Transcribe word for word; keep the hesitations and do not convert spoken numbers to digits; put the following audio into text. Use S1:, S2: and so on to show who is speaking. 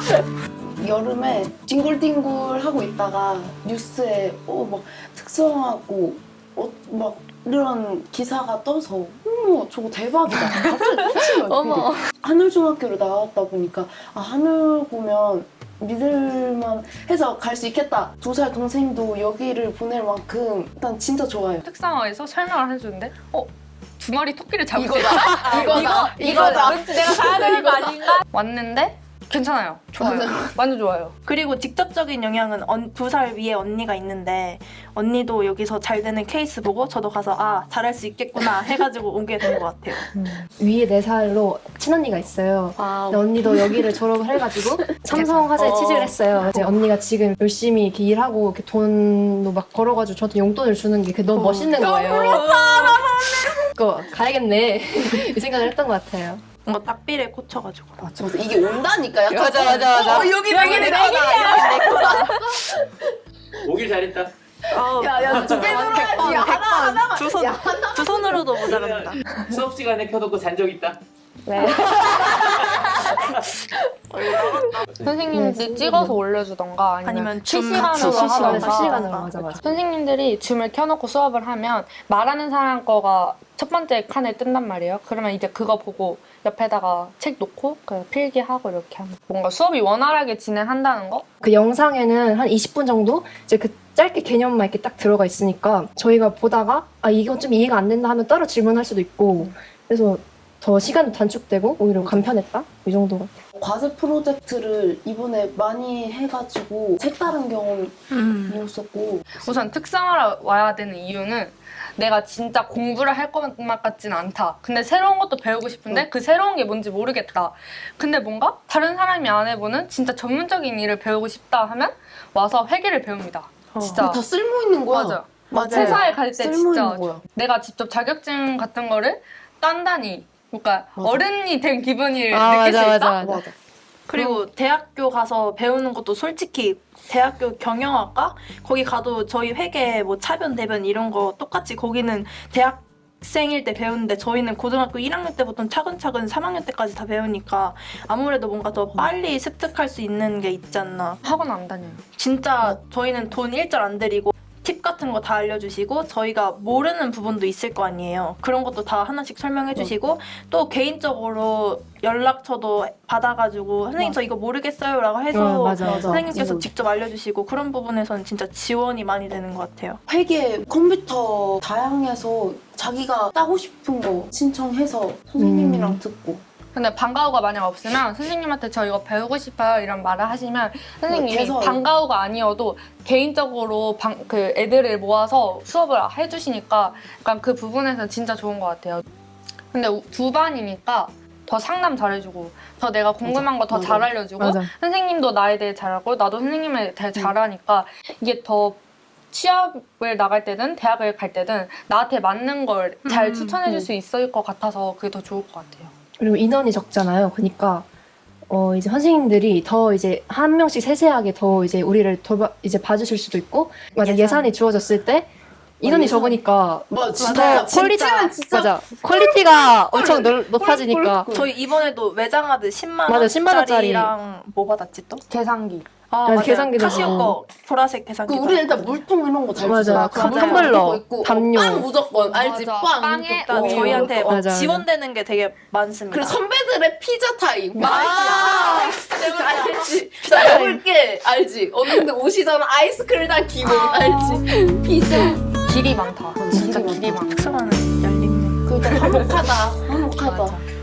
S1: 여름에 뒹굴뒹굴 하고 있다가 뉴스에 어 막 특성하고 어 막 이런 기사가 떠서 어머 저거 대박이다. 갑자기 꽂힌 거예요. 하늘중학교를 나왔다 보니까 아 하늘 보면 믿을만 해서 갈 수 있겠다. 두 살 동생도 여기를 보낼 만큼 일단 진짜 좋아요.
S2: 특성화에서 설명을 해주는데 어? 두 마리 토끼를 잡을 수
S1: 이거다.
S2: 있다?
S1: 이거다. 이거다.
S2: 왠지 내가 가야 되는 거 아닌가? 왔는데 괜찮아요. 좋아요. 완전 좋아요.
S3: 그리고 직접적인 영향은 두 살 위에 언니가 있는데 언니도 여기서 잘 되는 케이스 보고 저도 가서 아 잘할 수 있겠구나 해가지고 오게 된 것 같아요.
S4: 음. 위에 네 살로 친언니가 있어요.
S1: 아,
S4: 근데 언니도 여기를 졸업을 해가지고 삼성화재에
S1: 어.
S4: 취직을 했어요. 이제 언니가 지금 열심히 이렇게 일하고 이렇게 돈도 막 벌어가지고 저한테 용돈을 주는 게 너무 멋있는 거예요. 그거 가야겠네 이 생각을 했던 것 같아요.
S3: 뭔가 딱비를 꽂혀가지고.
S1: 맞아. 이게 온다니까요.
S4: 맞아, 맞아, 맞아.
S1: 어, 여기 여기 내 거다.
S5: 오길 잘했다.
S1: 야야 두개 들어야지. 야, 하나 하나.
S3: 두 손, 두 손으로도 모자랍니다.
S5: 수업 시간에 켜놓고 잔 적 있다.
S2: 네. 선생님들이
S4: 네,
S2: 찍어서 올려주던가 아니면,
S3: 아니면 줌
S2: 실시간으로
S3: 같이
S2: 하던가.
S4: 실시간으로, 실시간으로 맞아 맞아.
S2: 선생님들이 줌을 켜놓고 수업을 하면 말하는 사람 거가 첫 번째 칸에 뜬단 말이에요. 그러면 이제 그거 보고 옆에다가 책 놓고 그 필기하고 이렇게 하면 뭔가 수업이 원활하게 진행한다는 거?
S4: 그 영상에는 한 이십 분 정도 이제 그 짧게 개념만 이렇게 딱 들어가 있으니까 저희가 보다가 아 이거 좀 이해가 안 된다 하면 따로 질문할 수도 있고 그래서 더 시간도 단축되고 오히려 간편했다 이 정도 같아요.
S1: 과제 프로젝트를 이번에 많이 해가지고 색다른 경험이었었고
S2: 우선 특성화를 와야 되는 이유는 내가 진짜 공부를 할 것만 같지는 않다. 근데 새로운 것도 배우고 싶은데 그 새로운 게 뭔지 모르겠다. 근데 뭔가 다른 사람이 안 해보는 진짜 전문적인 일을 배우고 싶다 하면 와서 회계를 배웁니다. 진짜.
S1: 다 쓸모 있는 거야.
S2: 맞아.
S1: 맞아요.
S2: 회사에 갈 때
S1: 쓸모
S2: 진짜
S1: 있는 거야.
S2: 내가 직접 자격증 같은 거를 딴다니 그러니까
S1: 맞아.
S2: 어른이 된 기분을
S4: 아,
S2: 느낄
S4: 맞아,
S2: 수
S4: 맞아,
S2: 있다?
S4: 맞아.
S1: 맞아.
S3: 그리고 대학교 가서 배우는 것도 솔직히 대학교 경영학과 거기 가도 저희 회계 뭐 차변 대변 이런 거 똑같이 거기는 대학생일 때 배우는데 저희는 고등학교 일 학년 때부터 차근차근 삼 학년 때까지 다 배우니까 아무래도 뭔가 더 빨리 습득할 수 있는 게 있지 않나.
S2: 학원 안 다녀요.
S3: 진짜 저희는 돈 일절 안 들이고 팁 같은 거 다 알려주시고 저희가 모르는 부분도 있을 거 아니에요. 그런 것도 다 하나씩 설명해 주시고 또 개인적으로 연락처도 받아가지고 선생님 저 이거 모르겠어요 라고 해서
S4: 어, 맞아, 맞아.
S3: 선생님께서
S1: 음.
S3: 직접 알려주시고 그런 부분에서는 진짜 지원이 많이 되는 것 같아요.
S1: 회계 컴퓨터 다양해서 자기가 따고 싶은 거 신청해서 선생님이랑
S4: 음.
S1: 듣고
S2: 근데 방과후가 만약 없으면 선생님한테 저 이거 배우고 싶어요 이런 말을 하시면 선생님이
S1: 개설.
S2: 방과후가 아니어도 개인적으로 방, 그 애들을 모아서 수업을 해주시니까 약간 그 부분에서 진짜 좋은 것 같아요. 근데 우- 두 반이니까 더 상담 잘해주고 더 내가 궁금한 거 더
S1: 맞아.
S2: 잘 알려주고
S4: 맞아.
S2: 선생님도 나에 대해 잘 알고 나도 선생님에 대해 잘 아니까 이게 더 취업을 나갈 때든 대학을 갈 때든 나한테 맞는 걸 잘
S3: 음,
S2: 추천해줄
S1: 음.
S2: 수 있을 것 같아서 그게 더 좋을 것 같아요.
S4: 그리고 인원이 적잖아요. 그러니까 어 이제 선생님들이 더 이제 한 명씩 세세하게 더 이제 우리를 돌봐 이제 봐주실 수도 있고 맞아
S3: 예산.
S4: 예산이 주어졌을 때 인원이
S1: 예산.
S4: 적으니까
S1: 뭐
S4: 더 퀄리티
S1: 진짜
S4: 맞아 퀄리티가 엄청 넓, 높아지니까
S3: 저희 이번에도 외장하드 십만
S4: 맞아, 십만 원짜리.
S3: 원짜리랑 뭐 받았지 또?
S2: 계산기.
S3: 아
S4: 맞아,
S3: 맞아요.
S4: 계산기도
S3: 카시오
S4: 주고.
S3: 거 보라색
S1: 그
S3: 계산기.
S1: 우리 일단 물통 이런 거 잘
S4: 맞아.
S1: 주잖아.
S4: 그
S1: 그거
S4: 텀블러,
S1: 있고,
S4: 담요.
S1: 어, 빵 무조건 알지?
S2: 맞아.
S1: 빵.
S2: 빵에
S3: 일단
S2: 어,
S3: 저희한테
S4: 맞아, 맞아.
S3: 지원되는 게 되게 많습니다.
S1: 그리고 선배들의 피자 타임.
S2: 아,
S1: 알지? 나 해볼게. 알지? 언니들 오시잖아. 아이스크림 다 기본. 알지? 피자.
S2: 길이 많다. 진짜
S1: 길이
S2: 길이 많다.
S3: 특성화는 열리네.
S1: 그러니까 화목하다. 화목하다.
S2: 맞아.